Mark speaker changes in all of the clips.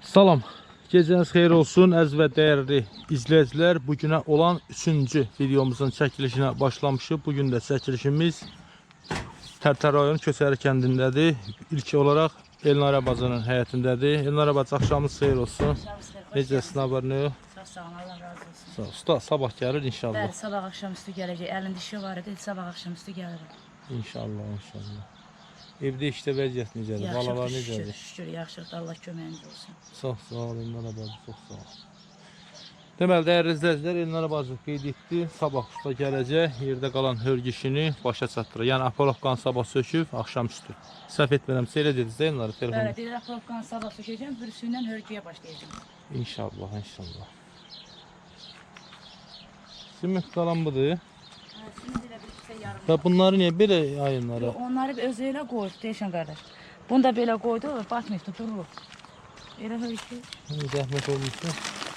Speaker 1: Salam, gecəniz xeyir olsun əziz və dəyərli izləyicilər. Bugünə olan 3-cü videomuzun çəkilişinə başlamışıq. Bugün də çəkilişimiz Tərtər rayon Köçəri kəndindədir. İlk olaraq Elnara bacının həyətindədir. Elnara bacı, axşamınız xeyir olsun. Necəsiniz, haberini yox?
Speaker 2: Sağ olun, Allah razı olsun.
Speaker 1: Sağ ol. Usta, sabah gəlir inşallah.
Speaker 2: Bəli, sabah axşamüstü gələcək. Əlində işi var idi, sabah axşamüstü gəlir.
Speaker 1: İnşallah, inşallah. Evdə işdə vəziyyət necədir? Balalar necədir?
Speaker 2: Şükür, yaxşıdır. Allah köməyiniz olsun.
Speaker 1: Sağ ol, Elnara bacı, çox sağ ol. Deməli, dəyərli izləyicilər, Elnara bacı qeyd etdi. Sabah usta gələcək, yerdə qalan hörgü işini başa çatdırır. Yəni, Apolovkan sabah söküb, axşamüstü. Səhv etmirəmsə, elə dediniz də Elnara telefonu?
Speaker 2: Bəli, deyir, Apolovkan sabah sökəcəm, bürüsündən hörgüyə başlayacağım.
Speaker 1: İnşallah, inşallah. Simit qalan budur.
Speaker 2: Şimdi elə bir şey yarım.
Speaker 1: Və bunları niyə belə yayınlara?
Speaker 2: Onları özü elə qoydu, deyişən qardaş. Bunu da belə qoydu, batmayıb, durur. Elə hörgü.
Speaker 1: Zəhmət olmuşsa.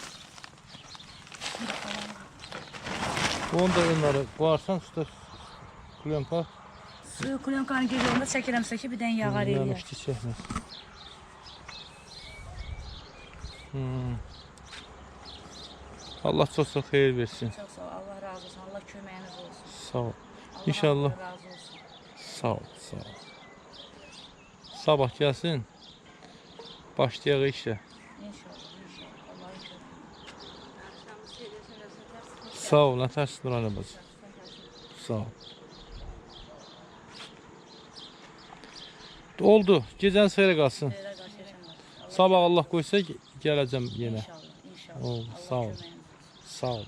Speaker 1: Onu da Elnara qoyarsan, usta klyonka.
Speaker 2: Suyu klyonkanın gecəndə çəkirəmsə ki, bir dən yağar eləyər.
Speaker 1: Yanmışdı, çəkməz. Allah çox-çox xeyir versin.
Speaker 2: Çox sağ ol, Allah razı olsun, Allah köməyiniz olsun.
Speaker 1: Sağ ol.
Speaker 2: Allah
Speaker 1: İnşallah.
Speaker 2: Allah razı olsun.
Speaker 1: Sağ ol, sağ ol. Sabah gəlsin. Başlayaq işə.
Speaker 2: İnşallah, inşallah. Allah'ın köməyiniz.
Speaker 1: Sağ ol, nə tərsin Nurhanə bacı. Sağ ol. Oldu. Gecəniz xeyrə qalsın.
Speaker 2: Xeyrə qarşı yaşamaq.
Speaker 1: Sabah Allah qoysa gələcəm yenə.
Speaker 2: İnşallah, inşallah.
Speaker 1: Oldu,
Speaker 2: Allah
Speaker 1: sağ ol.
Speaker 2: köməyiniz olsun.
Speaker 1: Sağ ol.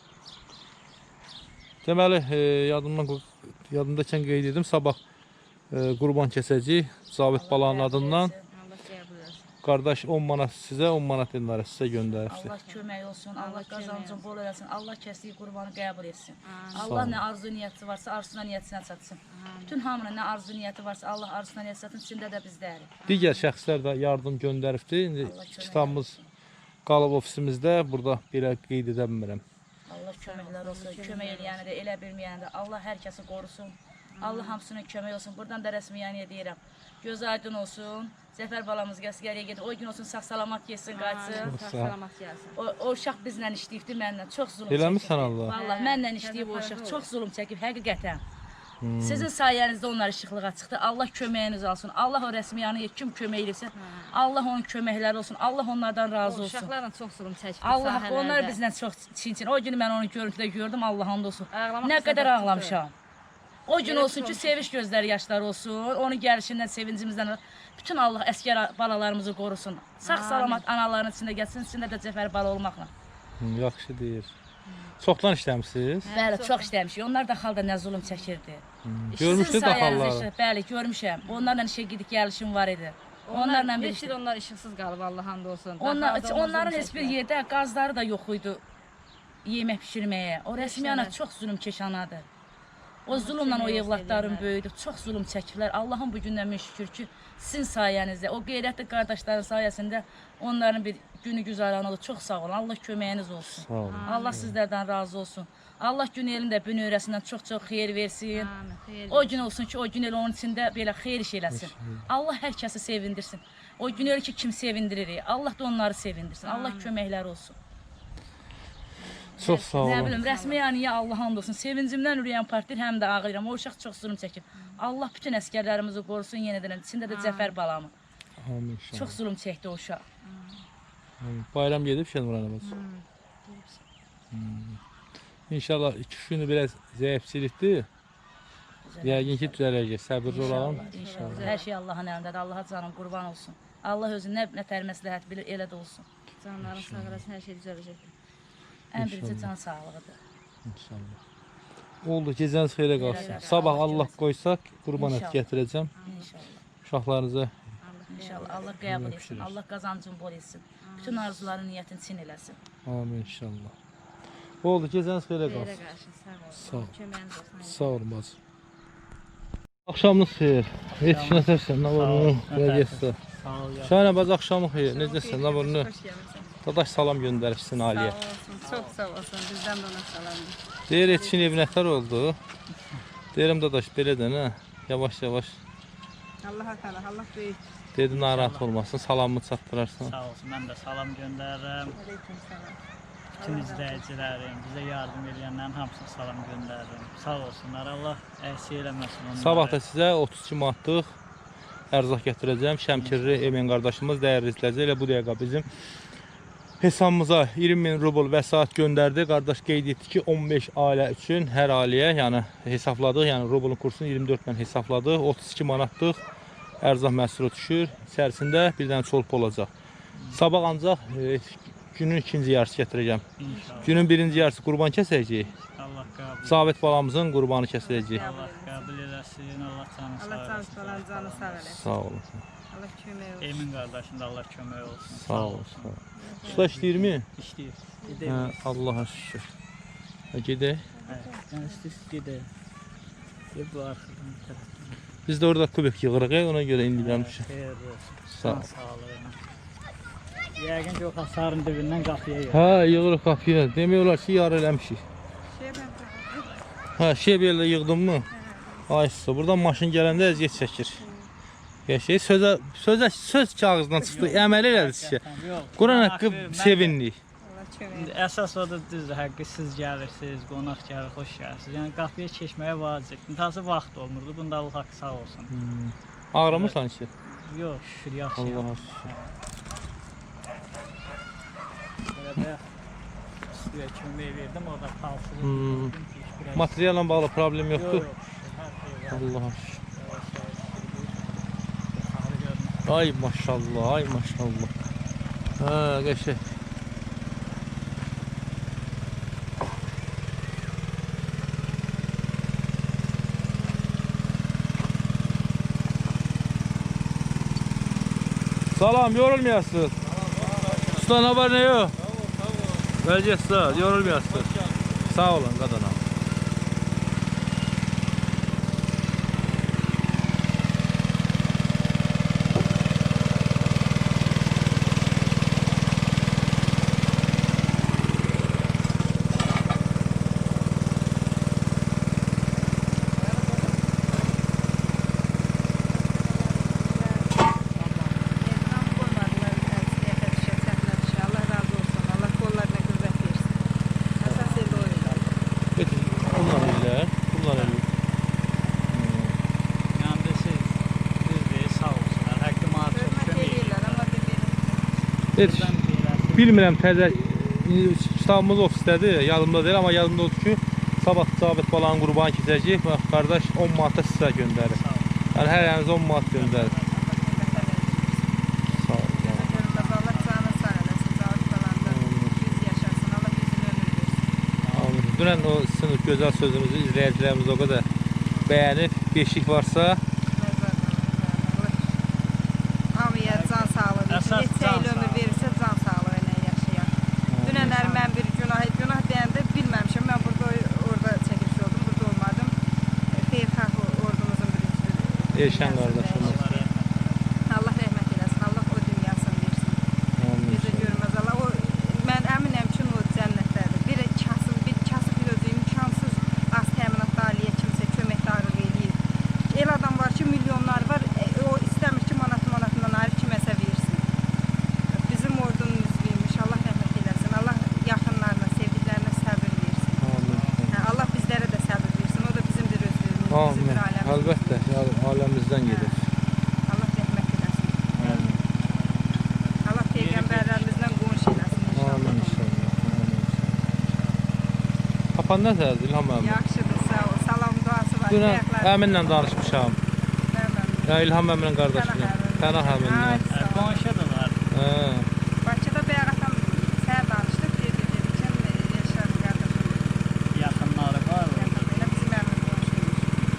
Speaker 1: Deməli, yadımdakən qeyd edim, sabah qurban kəsəcəyik. Zavit balanın adından.
Speaker 2: Allah qəbul etsin.
Speaker 1: Qardaş 10 manat sizə, 10 manat Elnara sizə göndəribsə.
Speaker 2: Allah kömək olsun, Allah qazancın bol eləsin, Allah kəsdiyi qurbanı qəbul etsin. Allah nə arzu niyyəti varsa, arzusuna niyyətinə çatsın. Bütün hamının nə arzu niyyəti varsa, Allah arzusuna niyyət çatsın, içində də bizdərik.
Speaker 1: Digər şəxslər də yardım göndəribdi. İndi
Speaker 2: Allah kömək
Speaker 1: kitabımız qalıb ofisimizdə, burada belə qeyd edə bilmirəm.
Speaker 2: Allah köməklər olsun, kömək eləyəni də, elə bilməyəni də, Allah hər kəsi qorusun. Allah hamısının kömək olsun. Buradan da rəsmiyyəniyə deyirəm. Göz aydın olsun. Zəfər balamız gəliyə gedir. O gün olsun sağ-salamat getsin, qaçsın.
Speaker 3: Sağ-salamat gəlsin.
Speaker 2: O uşaq bizlə işləyibdi, mənlə. Çox zulm
Speaker 1: Eləmirsən Allah?
Speaker 2: Vallahi mənlə işləyib o uşaq. Çox zulm çəkib, həqiqətən. Sizin sayənizdə onlar işıqlığa çıxdı. Allah köməyiniz olsun. Allah o rəsmiyyəniyə kim kömək edirsə, Allah onun köməkləri olsun. Allah onlardan razı olsun.
Speaker 3: Uşaqlarla çox zulm çəkdi
Speaker 2: Allah,
Speaker 3: sahələrdə.
Speaker 2: onlar bizlə çox çin-çin. O gün mən onu görüntüdə gördüm, Allah hamd olsun.
Speaker 3: Ağlamaq
Speaker 2: Nə qədər
Speaker 3: istədim.
Speaker 2: ağlamışam. O gün olsun ki, sevinç gözləri yaşlar olsun. Onun gəlişindən, sevincimizdən bütün Allah əskər balalarımızı qorusun. Sağ-salamat anaların içində gəlsin, içində də Cəfər bala olmaqla.
Speaker 1: Yaxşı deyir. Çoxdan işləmişsiniz?
Speaker 2: Bəli, çox işləmişik. Onlar da xalda nə zulm çəkirdi.
Speaker 1: Görmüşdü
Speaker 2: Sizin sayənizdə
Speaker 1: daxalları.
Speaker 2: Bəli, görmüşəm. Onlarla işə gedib gəlişim var idi. Onlarla bir
Speaker 3: 5 il onlar işıqsız qalıb, Allah hamd olsun.
Speaker 2: onların heç bir yerdə qazları da yox idi yemək bişirməyə. O rəsmiyyana çox zulm keçanadır. O zulmla o evlatların böyüdü. Çox zulm çəkiblər. Allahın bu gündən min şükür ki, sizin sayənizdə, o qeyrətli qardaşların sayəsində onların bir günü güzaran oldu. Çox sağ olun. Allah köməyiniz olsun.
Speaker 1: Sağ olun.
Speaker 2: Allah sizlərdən razı olsun. Allah gün elində bünövrəsindən çox-çox xeyir versin.
Speaker 3: Amin, xeyir
Speaker 2: O gün olsun ki, o gün el onun içində belə xeyir iş eləsin. Allah hər kəsi sevindirsin. O gün el ki, kim sevindirir, Allah da onları sevindirsin. Allah köməkləri olsun.
Speaker 1: Çox sağ
Speaker 2: Nə
Speaker 1: olun.
Speaker 2: bilim, rəsmiyyəniyə Allah hamd olsun. Sevincimdən ürəyəm partlayır, həm də ağlayıram. O uşaq çox zulm çəkib. Allah bütün əskərlərimizi qorusun yenədən. İçində də Cəfər balamı.
Speaker 1: Amin inşallah.
Speaker 2: Çox zulm çəkdi o uşaq.
Speaker 1: Amin. Bayram gedib Nurhanə bacı. İnşallah 2 günü biraz zəifçilikdir. Yəqin ki, düzələcək. Səbirli olalım.
Speaker 2: İnşallah. Hər şey Allahın əlindədir. Allaha canım qurban olsun. Allah özü nə tər məsləhət bilir, elə də olsun.
Speaker 3: Canların sağ olasın, hər şey düzələcək.
Speaker 2: Ən birinci can sağlığıdır.
Speaker 1: İnşallah. Oldu, gecəniz xeyrə qalsın. Sabah Allah qoysaq, qurban ət gətirəcəm.
Speaker 2: İnşallah.
Speaker 1: Uşaqlarınıza
Speaker 2: İnşallah. Allah qəbul etsin. Allah qazancın bol etsin. Bütün arzuların niyyətini çin eləsin.
Speaker 1: amin inşallah. Oldu, gecəniz xeyrə
Speaker 3: Xeyrə
Speaker 1: qalsın.
Speaker 3: qarşı, sağ
Speaker 1: Sağ ol.
Speaker 3: olun. Köməyiniz olsun.
Speaker 1: Sağ olun bacı. Axşamınız xeyir. Yetişinə tərsən, nə var onun? Vəziyyətdə. Şahinə bacı, axşamın xeyir. Necəsən, nə var onun?
Speaker 3: Xoş gəlmisiniz.
Speaker 1: Dadaş salam göndəribsin Aliyə.
Speaker 3: Sağ olsun, çox sağ olsun. Bizdən də ona salamdır.
Speaker 1: Deyir, yetişin ev nətər oldu? Deyirəm dadaş, belə də nə? Yavaş-yavaş
Speaker 3: Allah təala, Allah böyük.
Speaker 1: Dedi narahat olmasın, salamını çatdırarsan.
Speaker 4: Sağ olsun, mən də salam göndərirəm.
Speaker 3: Aleyküm salam.
Speaker 4: Bütün izləyicilərim, bizə yardım edənlərin hamısına salam göndərirəm. Sağ olsunlar, Allah əksik eləməsin onları.
Speaker 1: Sabah da sizə 32 manatlıq ərzaq gətirəcəm. Şəmkirli Emin qardaşımız dəyərli izləyicilər, elə bu dəqiqə bizim hesabımıza 20.000 rubl vəsait göndərdi. Qardaş qeyd etdi ki, 15 ailə üçün hər ailəyə, yəni hesabladıq, yəni rublun kursunu 24 ilə hesabladıq. 32 manatlıq ərzaq məhsulu düşür. İçərisində bir dənə çolp olacaq. Sabah ancaq günün ikinci yarısı gətirəcəm.
Speaker 4: İnşallah.
Speaker 1: Günün birinci yarısı qurban kəsəcəyik.
Speaker 4: Allah qəbul.
Speaker 1: Sabit balamızın qurbanı kəsiləcək.
Speaker 4: Allah qəbul eləsin, Allah canı sağ
Speaker 3: Allah
Speaker 4: eləsin.
Speaker 3: canı canı sağ eləsin.
Speaker 1: Sağ olun.
Speaker 3: Allah kömək olsun.
Speaker 4: Emin qardaşım da Allah kömək olsun.
Speaker 1: Sağ olsun. Usta işləyirmi?
Speaker 4: İşləyir.
Speaker 1: Hə,
Speaker 4: Gedək.
Speaker 1: Allah'a şükür. Gedək.
Speaker 4: Sən istəyirsən gedək. Bu arxadan tərəfdən.
Speaker 1: Biz də orada kubik yığırıq, ona görə indi gəlmişik.
Speaker 4: Xeyir olsun.
Speaker 1: Sağ ol.
Speaker 4: Sağ olun. Yəqin ki, o hasarın dibindən qapıya yığır.
Speaker 1: Hə, yığırıq qapıya. Demək olar ki, yar eləmişik.
Speaker 3: Şey ben
Speaker 1: Hə, şey belə yığdın mı? Ay usta, buradan maşın gələndə əziyyət çəkir. Şey söz kağızdan çıxdı, əməl elədi sizə. Quran haqqı sevindik.
Speaker 3: Allah kömək
Speaker 4: İndi əsas odur, düzdür, həqqi siz gəlirsiniz, qonaq gəlir, xoş gəlirsiniz. Yəni qapıya keçməyə vacib. İntihası vaxt olmurdu. Bunda Allah haqqı sağ olsun.
Speaker 1: Ağrımırsan ki?
Speaker 4: Yox, şükür yaxşı.
Speaker 1: Allah'a şükür.
Speaker 4: Belə bayaq üstüyə kömək verdim, orada palsızı.
Speaker 1: Materialla bağlı problem
Speaker 4: Yox,
Speaker 1: yoxdur.
Speaker 4: yox, hər şey var.
Speaker 1: Allah'a şükür.
Speaker 4: Yuxarı görünür.
Speaker 1: Ay maşallah, ay maşallah. Hə, qəşəng. Salam, yorulmayasınız. Usta, ne var ne yok? Vəziyyət sağ, yorulmayasınız. Sağ olun qadına. Bunlar elə.
Speaker 4: Yəni siz düzdür, sağ olsunlar. Həqqi mənə çox kömək edirlər.
Speaker 1: Bilmirəm, təzə kitabımız ofisdədir, yadımda deyil, amma yadımda odur ki, sabah Sabit balanın qurbanı keçəcək. Bax, qardaş 10 manata sizə göndərir. Yəni hər yanınız 10 manat göndərir. Sağ olun. Dünən o sizin gözəl sözünüzü izləyicilərimiz o qədər bəyənib, beşik varsa
Speaker 3: Hamıya can sağlığı versin.
Speaker 4: Əsas
Speaker 3: Neçə
Speaker 4: can
Speaker 3: il ömür
Speaker 4: sağlığı.
Speaker 3: verirsə can sağlığı ilə yaşayar. Dünənlər mən bir günah deyəndə bilməmişim. Mən orada çəkiliş oldum, burada olmadım. Xeyirxah ordumuzun bir
Speaker 1: Elşən qardaşımız.
Speaker 3: Allah rəhmət eləsin. Allah o dünyasını versin. Bizi görməz Allah. O mən əminəm ki, o cənnətdədir. Bir kasıb özü imkansız az təminatlı ailəyə kimsə köməkdarlıq eləyir. El adam var ki, milyonlar var. O istəmir ki, manatından ayrı kiməsə versin. Bizim ordunun üzvüymüş. Allah rəhmət eləsin. Allah yaxınlarına, sevdiklərinə səbir versin. Hə, Allah bizlərə də səbir versin. O da bizimdir özümüz,
Speaker 1: Amin.
Speaker 3: bizimdir ailəmiz.
Speaker 1: Əlbəttə, aləmizdən gedir.
Speaker 3: Allah rəhmət eləsin. Allah peyğəmbərlərimizdən qonşu eləsin
Speaker 1: Amin
Speaker 3: inşallah.
Speaker 1: inşallah. Papan nəzərdir İlham əmi?
Speaker 3: Yaxşıdır, sağ ol. Salam duası var.
Speaker 1: Dünən
Speaker 3: Ayaqlar-
Speaker 1: əminlə danışmışam. Ya İlham əminin qardaşıyla. Pənah əminlə.
Speaker 3: Ay, sağ ol.
Speaker 4: Qonşudular.
Speaker 1: Hə.
Speaker 3: Bakıda bayaq atam səhər danışdıq, dedi ki, Yaşar qardaşım,
Speaker 4: Yaxınları var.
Speaker 3: elə bizim əmin qonşuymuş.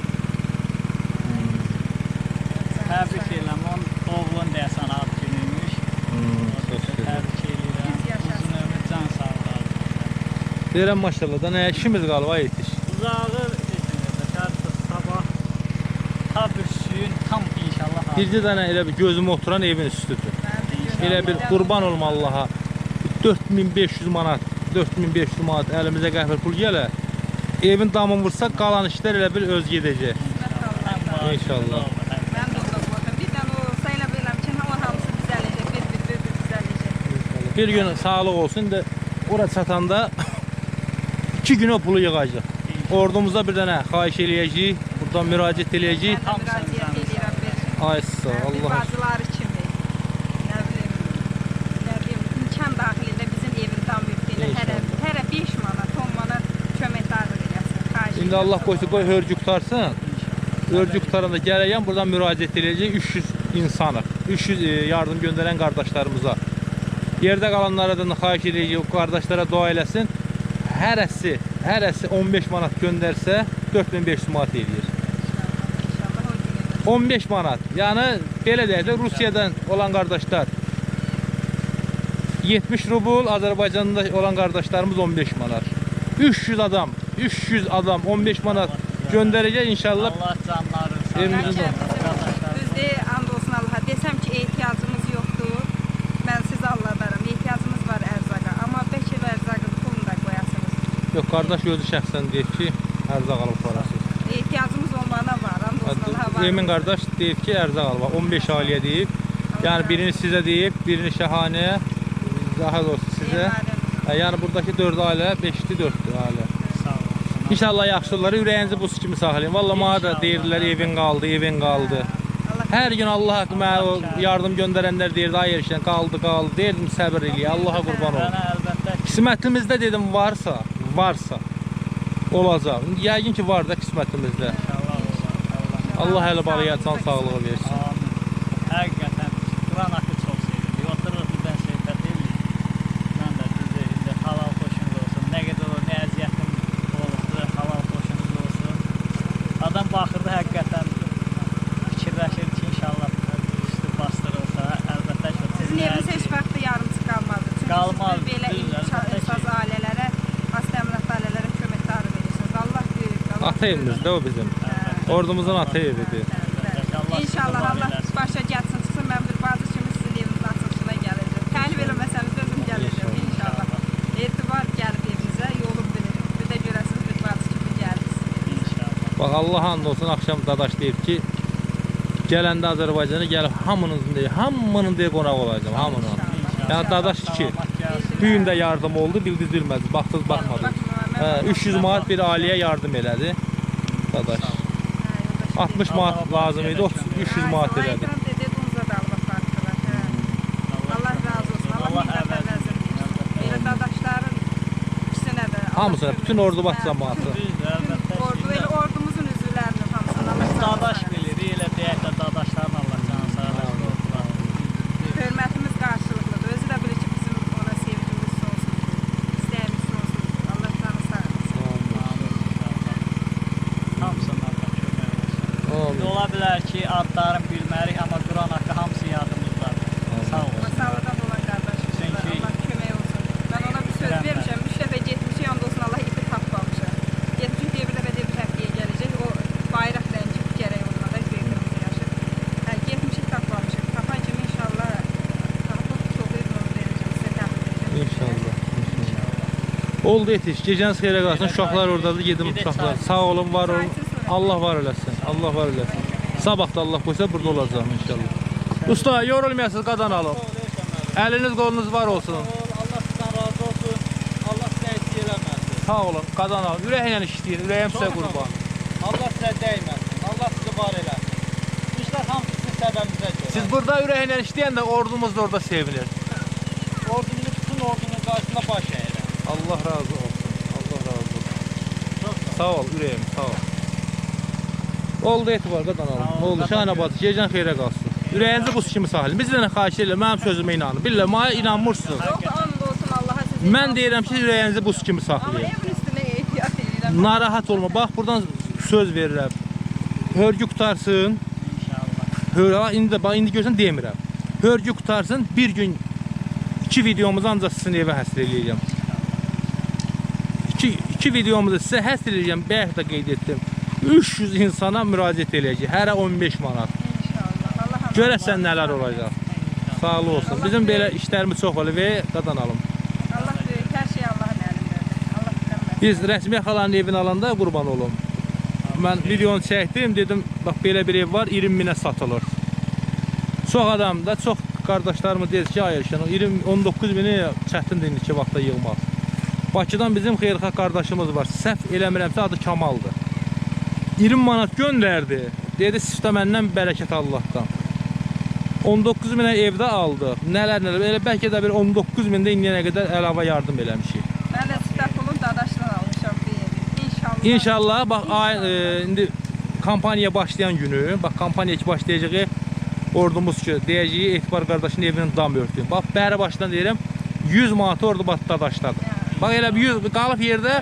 Speaker 4: Təbrik edirəm. Onun oğlun deyəsən ad günüymüş. Təbrik edirəm.
Speaker 3: Biz yaşasın.
Speaker 4: Uzun ömür, can sağlığı.
Speaker 1: Deyirəm maşallah da nə işimiz qalıb ay yetiş.
Speaker 4: Uzağı sabah tabüsün tam inşallah.
Speaker 1: Bircə dənə elə bir gözümə oturan evin üstüdür. Elə bir qurban olma Allaha. 4500 manat, 4500 manat əlimizə qəfil pul gələ. Evin damını vursa qalan işlər elə bir öz gedəcək. İnşallah.
Speaker 3: Mən də orada qoydum.
Speaker 1: Bir gün sağlıq olsun. İndi ora çatanda 2 gün o pulu yığacaq. Ordumuza bir dənə xahiş eləyəcəyik. Buradan müraciət eləyəcəyik.
Speaker 3: Mən də müraciət edirəm bir.
Speaker 1: Ay sağ ol,
Speaker 3: Bir
Speaker 1: Allah.
Speaker 3: bacıları kimi. Nə bilim, imkan daxilində bizim evin tam mülkünə hərə 5 manat, 10 manat kömək daxil eləsin. Xahiş
Speaker 1: İndi
Speaker 3: edirəm.
Speaker 1: Allah qoysa qoy hörgü qutarsın. Hörgü qutaranda gələyəm buradan müraciət eləyəcəyik 300 insanıq. 300 yardım göndərən qardaşlarımıza. Yerdə qalanlara da xahiş eləyəcəyik o qardaşlara dua eləsin. Hərəsi 15 manat göndərsə 4500 manat eləyir.
Speaker 3: İnşallah o gün
Speaker 1: 15 manat. Yəni belə deyək də Rusiyadan olan qardaşlar 70 rubl, Azərbaycanda olan qardaşlarımız 15 manat. 300 adam 15 manat göndərəcək inşallah.
Speaker 4: Allah canlarını sağ
Speaker 1: Evimizin
Speaker 3: Düzdür, and olsun Allaha. Desəm ki, ehtiyacımız yoxdur, mən sizi aldadaram. Ehtiyacımız var ərzaqa. Amma bəlkə ərzaqın pulunu da qoyasınız.
Speaker 1: Yox, qardaş özü şəxsən deyib ki, ərzaq alıb parasız.
Speaker 3: Ehtiyacımız olmağına var, and olsun Allaha var.
Speaker 1: Emin qardaş deyib ki, ərzaq alıb. 15 ailəyə deyib. Yəni birini sizə deyib, birini Şəhanəyə, daha doğrusu sizə. Yəni buradakı 4 ailə, 5-li 4 ailə.
Speaker 4: Sağ olun.
Speaker 1: İnşallah yaxşıları ürəyinizi buz kimi saxlayın. Vallahi mənə də deyirlər evin qaldı. Hər gün Allah haqqı mənə o yardım göndərənlər deyirdi, ay erişən qaldı. Deyirdim səbir eləyə, Allaha qurban olun.
Speaker 4: Mənə əlbəttə
Speaker 1: Qismətimizdə dedim varsa olacaq. Yəqin ki var da qismətimizdə.
Speaker 4: inşallah olsun.
Speaker 1: Allah hələ balaya can sağlığı versin.
Speaker 4: Amin. Həqiqətən Quran haqqı çox sevirdik. Otururuq birdən söhbət edirik. Mən də indi halal xoşunuz olsun. Nə qədər o, nə əziyyətim olubdur, halal xoşunuz olsun. Adam baxırdı həqiqətən fikirləşir ki, inşallah üstü bastırılsa, əlbəttə ki,
Speaker 3: Sizin eviniz heç vaxt yarımçı qalmadı. Çünki
Speaker 4: Qalmaz,
Speaker 3: siz belə
Speaker 4: düzdür, əlbəttə ki.
Speaker 3: imkansız ailələrə, hasta əmlaklı ailələrə kömək darı verirsiniz. Allah böyük. Allah
Speaker 1: Ata evimizdə o bizim. Ordumuzun ata evidir.
Speaker 3: İnşallah Allah başa gəlsin, çıxsın. Mən bir bacı kimi sizin evinizin açılışına gələcəm. Təhlif eləməsəniz özüm gələcəm inşallah. Etibar gəlib evinizə, yolum bilir. Bir də görəsiniz bir bacı kimi gəlirsiniz.
Speaker 1: Bax Allah and olsun axşam dadaş deyib ki, gələndə Azərbaycana gəlib hamının deyə qonaq olacağam, hamının. Yəni dadaş ki, bu gün də yardım oldu, bildiniz bilmədi, baxdınız baxmadınız. 300 manat bir ailəyə yardım elədi dadaş. 60 manat lazım idi, 300 manat elədi.
Speaker 3: Allah razı olsun. Allah minnətlər versin. Elə dadaşların ikisinə də.
Speaker 1: Hamısına, bütün ordubaş cəmaatı.
Speaker 3: Ordu, elə ordumuzun üzvlərinin hamısına Allah
Speaker 4: Dadaş bilir, elə deyək də dadaşların Allah canı sağ olsun.
Speaker 3: Hörmətimiz qarşılıqlıdır. Özü də bilir ki, bizim ona sevgimiz sonsuz, istəyimiz sonsuz. Allah canı sağ olsun.
Speaker 4: Hamısından da kömək olsun.
Speaker 1: Amin.
Speaker 4: Ola bilər ki, adlarını bilmərik, amma Quran haqqı hamısı yadımızdadır. Sağ olun.
Speaker 3: Masallıdan olan qardaşımızlar, Allah kömək olsun. Mən ona bir söz vermişəm, 3 dəfə getmişik, and olsun Allah ipi tapmamışam. Getmişik deyə bir dəfə deyib həftəyə gələcək, o bayraq rəngi gərək onunla da qeyrimiz yaşır. Getmişik tapmamışıq, tapan kimi inşallah tapıb çox iyi onu verəcəm, sizə təmin edəcəm.
Speaker 1: İnşallah. Oldu yetiş. Gecəniz xeyrə qalsın. Uşaqlar oradadır. Gedim uşaqlar. Sağ olun, var olun. Allah var eləsin. Allah var eləsin. Sabah da Allah qoysa burada olacağım inşallah. Usta, yorulmayasınız, qadan alın. Əliniz qolunuz var olsun.
Speaker 5: Allah sizdən razı olsun. Allah sizə eksik eləməsin.
Speaker 1: Sağ olun, qadan alın. Ürəklə işləyin. Ürəyim sizə qurban.
Speaker 5: Allah sizə dəyməsin. Allah sizi var eləsin. Bu işlər hamısı sizin səbəbinizə görə.
Speaker 1: Siz burada ürəklə işləyəndə ordumuz da orada sevinir.
Speaker 5: Ordumuzu bütün ordunun qarşısında baş əyirəm.
Speaker 1: Allah razı olsun. Allah razı olsun. Sağ ol, ürəyim, sağ ol. Oldu etibar, qadan alın. Oldu, Şahin abad, gecən xeyrə qalsın. Ürəyinizi buz kimi saxlayın. Biz də xahiş edirəm, mənim sözümə inanın. Billah, mənə inanmırsınız.
Speaker 3: Yox, and olsun Allaha sizin.
Speaker 1: Mən deyirəm ki, ürəyinizi buz kimi
Speaker 3: Amma
Speaker 1: saxlayın.
Speaker 3: evin üstünə ehtiyat edirəm.
Speaker 1: Narahat olma. Bax, buradan söz verirəm. Hörgü qutarsın.
Speaker 4: İnşallah.
Speaker 1: İndi görsən demirəm. Hörgü qutarsın, bir gün 2 videomuzu ancaq sizin evə həsr eləyəcəm. 2 videomuzu sizə həsr eləyəcəm, bayaq da qeyd etdim. 300 insana müraciət eləyəcək, hərə 15 manat.
Speaker 3: İnşallah. Allah
Speaker 1: Görəsən nələr olacaq. Sağlı olsun. Bizim belə işlərimiz çox olur və qadan alım.
Speaker 3: Allah böyük, hər şey Allahın əlindədir. Allah bilməz.
Speaker 1: Biz rəsmi xalanın evini alanda qurban olum. Mən videonu çəkdim, dedim, bax belə bir ev var, 20 minə satılır. Çox adam da, çox qardaşlarımız deyir ki, hayır, 19 bini çətindir indiki vaxtda yığmaq. Bakıdan bizim xeyirxah qardaşımız var. Səhv eləmirəmsə adı Kamaldır. 20 manat göndərdi. Dedi, sizdə məndən bərəkət Allahdan. 19 minə evdə aldı. Nələr. Elə bəlkə də bir 19 mində indiyənə qədər əlavə yardım eləmişik.
Speaker 3: Mən də sütə pulun dadaşdan almışam bir evi. İnşallah.
Speaker 1: İnşallah bax indi kampaniya başlayan günü, bax kampaniya ki başlayacağı ordumuz ki deyəcəyi Etibar qardaşın evinin dam örtüyün. Bax bəri başdan deyirəm 100 manat ordu bax dadaşdadır. Bax elə bir 100 qalıb yerdə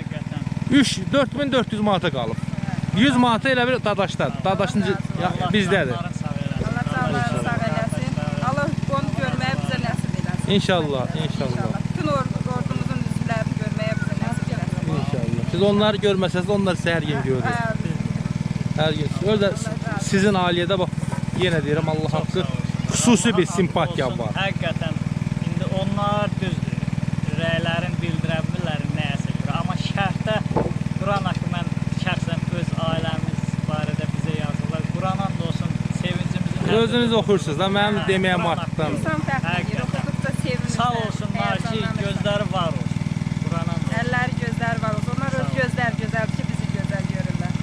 Speaker 1: 4400 manata qalıb. 100 manata elə bir dadaşdadır. Dadaşın bizdədir.
Speaker 3: Allah canlarını sağ eləsin. Allah onu görməyə bizə nəsib eləsin.
Speaker 1: İnşallah, inşallah.
Speaker 3: Bütün ordumuzun üzvlərini görməyə bizə nəsib eləsin.
Speaker 1: İnşallah. Siz onları görməsəniz, onlar sizə hər gün görür. Hər gün. Öyle sizin ailiyədə bax, yenə deyirəm, Allah haqqı xüsusi bir simpatiya var.
Speaker 4: Həqiqətən, indi onlar düzdür, rəylərin bildirə bilirlər nəyəsə görə. Amma şərhdə Quran haqqı mən şəxsən öz ailəmiz barədə bizə yazırlar. Quran and olsun, sevincimizin...
Speaker 1: Özünüz oxursunuz da, mənim deməyəm artıqdan.
Speaker 3: İnsan fərqləyir, oxuduqca sevinirlər.
Speaker 4: Sağ olsunlar ki, gözləri var olsun. Quran and olsun.
Speaker 3: Əlləri gözləri var olsun. Onlar öz gözlər gözəl ki, bizi gözəl görürlər.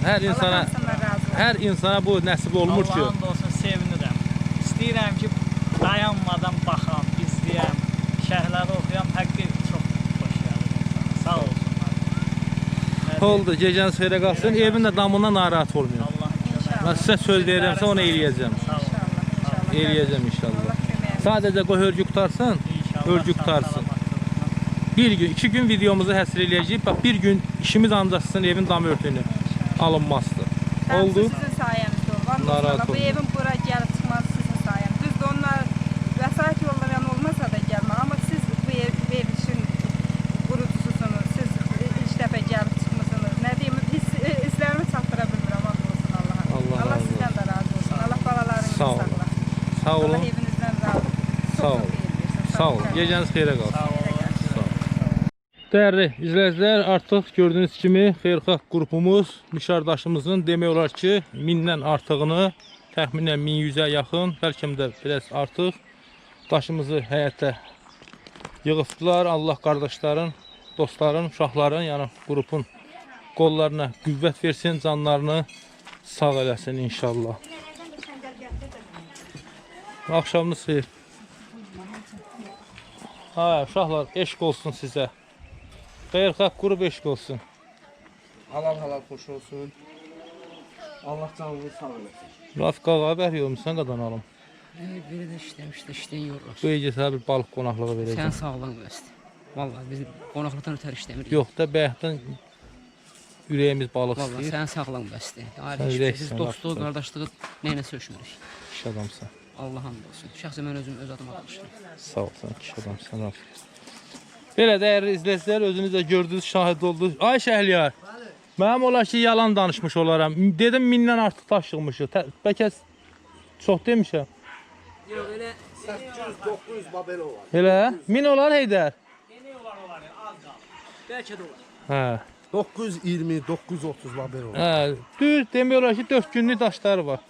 Speaker 1: Hər insana bu nəsib olmur ki.
Speaker 4: Allah'ın da olsun, sevinirəm. İstəyirəm ki, dayanmadan baxam, izləyəm, şərhləri oxuyam, həqqi çox xoş gəlir insana. Sağ olsunlar.
Speaker 1: Oldu, gecəniz xeyrə qalsın, evin də damından narahat olmuyor.
Speaker 4: Allah'ın köməyi.
Speaker 1: Mən sizə söz deyirəmsə onu eləyəcəm.
Speaker 4: Sağ olun.
Speaker 1: Eləyəcəm inşallah. Sadəcə qoy hörgü qutarsın, hörgü qutarsın. Bir gün, 2 gün videomuzu həsr eləyəcəyik. Bax, bir gün işimiz ancaq sizin evin dam örtüyünü alınmazdır. Oldu.
Speaker 3: Sizin sayənizdə oldu.
Speaker 1: Narahat
Speaker 3: Bu evin bura gəlib çıxması sizin sayənizdə. Düzdür, onlar vəsait yolları olmasa da gəlmə. Amma siz bu ev işin qurucususunuz. Siz ilk dəfə gəlib çıxmısınız. Nə deyim, hisslərimi çatdıra bilmirəm. Allah sizdən də razı olsun. Allah balalarınızı saxlasın.
Speaker 1: Sağ olun.
Speaker 3: Allah evinizdən razı olsun.
Speaker 1: Sağ olun. Sağ olun. Gecəniz xeyrə qalsın.
Speaker 4: Sağ olun.
Speaker 1: Dəyərli izləyicilər, artıq gördüyünüz kimi xeyirxah qrupumuz müşardaşımızın demək olar ki 1000-dən artığını, təxminən 1100-ə yaxın, bəlkə də biraz artıq daşımızı həyətə yığıbdılar. Allah qardaşların, dostların, uşaqların, yəni qrupun qollarına qüvvət versin, canlarını sağ eləsin inşallah. Axşamınız xeyir. Uşaqlar, eşq olsun sizə. Xeyirxah qrup eşq olsun.
Speaker 5: Halal xoş olsun. Allah canınızı sağ eləsin.
Speaker 1: Rafiq ağa bər yormuşsan qadanalım.
Speaker 6: Biri də işləyən yorulur.
Speaker 1: Bu gecə bir balıq qonaqlığı
Speaker 6: Sən
Speaker 1: verəcəm.
Speaker 6: sağlığın versin. Vallahi biz qonaqlıqdan ötəri işləmirik.
Speaker 1: Yox da bayaqdan ürəyimiz balıq
Speaker 6: Vallahi
Speaker 1: istəyir.
Speaker 6: sən sağlığın bəsdir.
Speaker 1: Sən
Speaker 6: Biz
Speaker 1: ürəksən,
Speaker 6: dostluq,
Speaker 1: lafdır.
Speaker 6: qardaşlığı nəyinə sökmürük.
Speaker 1: Kişi adamsan.
Speaker 6: Allah hamd olsun. Şəxsən mən özüm öz adıma danışıram.
Speaker 1: Sağ ol, sən kişi adamsan. Rafiq. Belə dəyərli izləyicilər, özünüz də gördünüz, şahid oldunuz. Ay Şəhliyar, mənim olar ki yalan danışmış olaram. Dedim 1000-dən artıq daş yığmışıq. Bəlkə çox demişəm.
Speaker 6: Yox, elə
Speaker 5: 800-900 babel olar.
Speaker 1: Elə? 1000 olar Heydər?
Speaker 6: bəlkə də olar.
Speaker 1: Hə.
Speaker 5: 920, 930 babel olar.
Speaker 1: Hə, düz demək olar ki 4 günlük daşları var.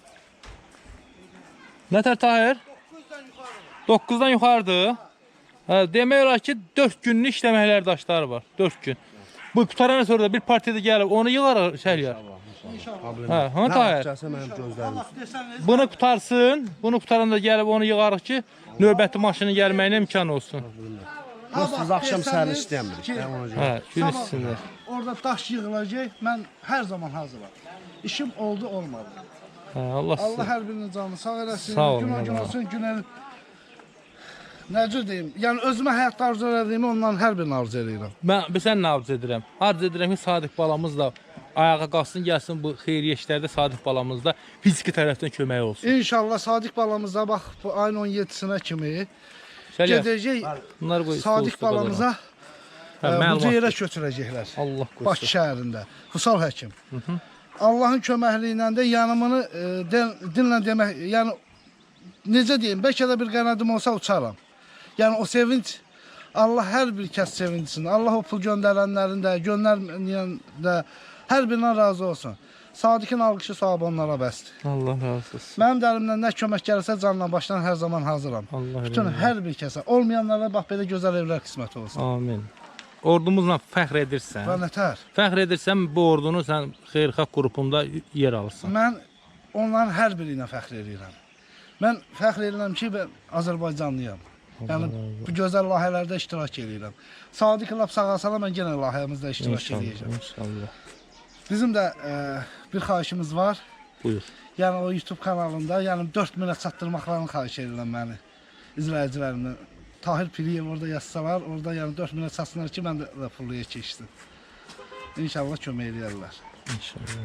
Speaker 1: Nətər Tahir? 9-dan yuxarıdır. Hə, demək olar ki 4 günlük işləməklər daşları var. 4 gün. Bu qutarandan sonra da bir partiyada gəlib onu yığar Şəhliyar. Hə, ha Tahir.
Speaker 5: Mənim gözlərim.
Speaker 1: Bunu qutarsın. Bunu qutaranda gəlib onu yığarıq ki növbəti maşının gəlməyinə imkan olsun.
Speaker 5: Siz axşam səni istəmirik.
Speaker 1: Hə, gün içində.
Speaker 7: Orada daş yığılacaq. Mən hər zaman hazıram. İşim oldu, olmadı.
Speaker 1: Hə, Allah
Speaker 7: Allah
Speaker 1: sizə.
Speaker 7: hər birinin canını sağ eləsin.
Speaker 1: Sağ olun,
Speaker 7: Gün
Speaker 1: Allah.
Speaker 7: olsun, günel. Necə deyim? Yəni özümə həyatda arzu elədiyimi ondan hər birini arzu edirəm.
Speaker 1: Mən sən nə arzu edirəm? Arzu edirəm ki Sadiq balamız da ayağa qalsın, gəlsin bu xeyriyyə işlərdə Sadiq balamız da fiziki tərəfdən kömək olsun.
Speaker 7: İnşallah Sadiq balamıza bax bu ayın 17-sinə kimi
Speaker 1: Şəhliyar,
Speaker 7: gedəcək
Speaker 1: bunlar qoy.
Speaker 7: Sadiq balamıza
Speaker 1: Hə,
Speaker 7: bu
Speaker 1: məlumat.
Speaker 7: yerə köçürəcəklər.
Speaker 1: Allah
Speaker 7: Bakı
Speaker 1: qoysun.
Speaker 7: şəhərində. Hüsal həkim. Allahın köməkliyi də yanımını dinlə demək, yəni necə deyim, bəlkə də bir qənadım olsa uçaram. Yəni o sevinç Allah hər bir kəs sevinsin. Allah o pul göndərənlərin də, göndərməyən də hər birindən razı olsun. Sadiqin alqışı savabı onlara bəsdir.
Speaker 1: Allah razı olsun.
Speaker 7: Mənim də əlimdən nə kömək gəlirsə canla başdan hər zaman hazıram.
Speaker 1: Allah
Speaker 7: Bütün
Speaker 1: razı olsun.
Speaker 7: hər bir kəsə, olmayanlara bax belə gözəl evlər qismət olsun.
Speaker 1: Amin. Ordumuzla fəxr edirsən.
Speaker 7: Və nətər?
Speaker 1: Fəxr edirsən bu ordunu sən xeyirxah qrupunda yer alırsan.
Speaker 7: Mən onların hər biri ilə fəxr edirəm. Mən fəxr edirəm ki, mən Azərbaycanlıyam. Yəni bu gözəl layihələrdə iştirak edirəm. Sadiq lap sağ-sala mən yenə layihəmizdə iştirak edəcəm.
Speaker 1: İnşallah.
Speaker 7: Bizim də bir xahişimiz var.
Speaker 1: Buyur.
Speaker 7: Yəni o YouTube kanalında, yəni 4000-ə çatdırmaqlarını xahiş edirəm məni izləyicilərimdən. Tahir Piriyev orada yazsalar, orada yəni 4000-ə çatsınlar ki, mən də pulluya keçsin. İnşallah kömək edərlər.
Speaker 1: İnşallah.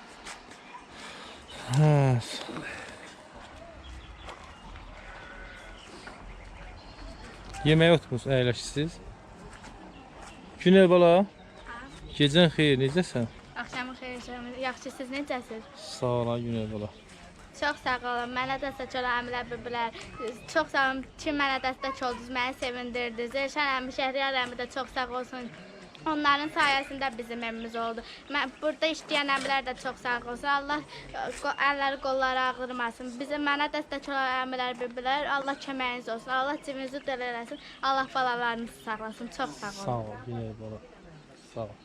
Speaker 1: Evet. Yeməyə oturmusunuz, əyləşsiniz. Günel bala. Gecən xeyir, necəsən?
Speaker 8: Axşamın xeyir, yaxşı, siz necəsiz?
Speaker 1: Sağ ol, Günel bala.
Speaker 8: Çox sağ olun, mənə dəstək olan əmilər biblər. Çox sağ olun ki, mənə dəstək oldunuz, məni sevindirdiniz. Elşən əmi, Şəhriyar əmi də çox sağ olsun. Onların sayəsində bizim evimiz oldu. Burada işləyən əmilər də çox sağ olsun. Allah əlləri, qolları ağırmasın. Mənə dəstək olan əmilər biblər, Allah köməyiniz olsun. Allah cibinizi dəl eləsin. Allah balalarınızı sağlasın. Çox sağ olun.
Speaker 1: Sağ ol, Günel bala. Sağ ol.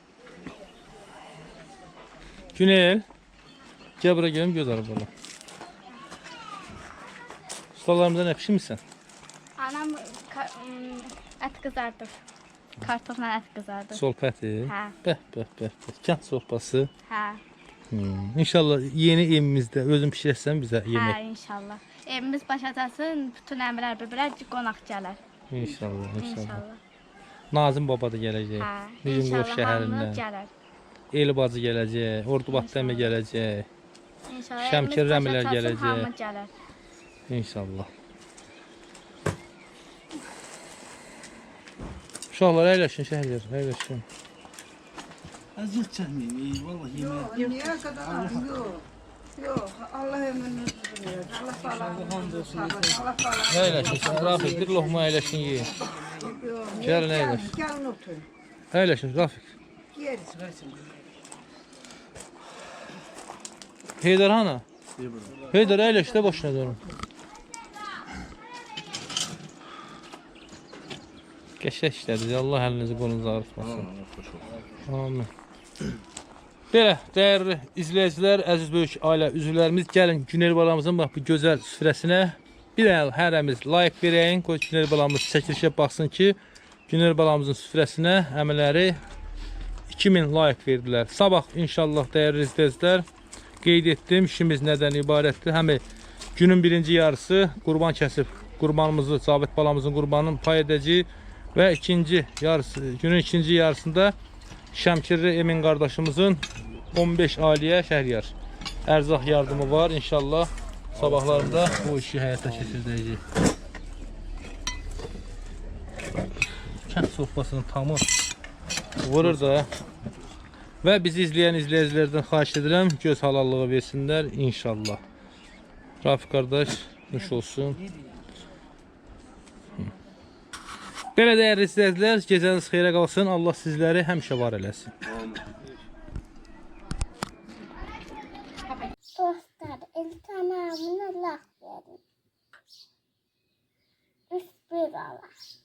Speaker 1: Günel. Gel buraya gelin, göz arabana. Ustalarımızdan hep misin?
Speaker 8: Anam ət qızardır. Kartofla ət qızardır.
Speaker 1: Solpəti.
Speaker 8: Hə.
Speaker 1: Bəh. Kənd sorpası.
Speaker 8: Hə.
Speaker 1: İnşallah yeni evimizdə özün pişirəsən bizə yemək.
Speaker 8: Hə, inşallah. Evimiz başatasın, bütün əmilər biblər qonaq gələr.
Speaker 1: İnşallah. Nazım baba da gələcək.
Speaker 8: Hə,
Speaker 1: Nizamqof
Speaker 8: inşallah hamı
Speaker 1: şəhərindən.
Speaker 8: gələr.
Speaker 1: Eli bacı gələcək, Ordubatda əmi gələcək.
Speaker 8: İnşallah.
Speaker 1: Şəmkir
Speaker 8: evimiz
Speaker 1: rəmilər
Speaker 8: başatasın,
Speaker 1: gələcək.
Speaker 8: hamı gələr.
Speaker 1: İnşallah. Uşaqlar əyləşin, şəhərlər, əyləşin.
Speaker 7: Əziyyət çəkməyin, vallahi yemək.
Speaker 3: Niyə qədər? Yox, Allah ömrünüzü versin. Allah balanızı sağlasın. Allah balanızı.
Speaker 1: Əyləşin, Rafiq, bir loğma əyləşin yiyin. Gəlin əyləşin.
Speaker 3: Gəlin oturun.
Speaker 1: Əyləşin, Rafiq.
Speaker 3: Yeriz.
Speaker 1: Heydər hana? Heydər əyləş də başına dönün. Qəşək işlədir, Allah əlinizi qolunuzu ağrıtmasın. Amin. Belə, dəyərli izləyicilər, əziz böyük ailə üzvlərimiz, gəlin Günel balamızın bax bu gözəl süfrəsinə bir əl hərəmiz like verəyin, qoy Günel balamız çəkilişə baxsın ki, Günel balamızın süfrəsinə əmələri 2000 like verdilər. Sabah inşallah dəyərli izləyicilər, qeyd etdim, işimiz nədən ibarətdir. Həmi günün birinci yarısı qurban kəsib, qurbanımızı, Cabit balamızın qurbanını pay edəcəyik və günün ikinci yarısında Şəmkirli Emin qardaşımızın 15 ailəyə Şəhriyar ərzaq yardımı var. İnşallah sabahlarında bu işi həyata keçirdəcəyik. Kənd sofrasının tamı vurur da. Və bizi izləyən izləyicilərdən xahiş edirəm, göz halallığı versinlər inşallah. Rafiq qardaş, nuş olsun. Belə dəyərli izləyicilər, gecəniz xeyrə qalsın. Allah sizləri həmişə var eləsin.
Speaker 9: Dostlar, iltihamını Allah verin. Üst bir Allah.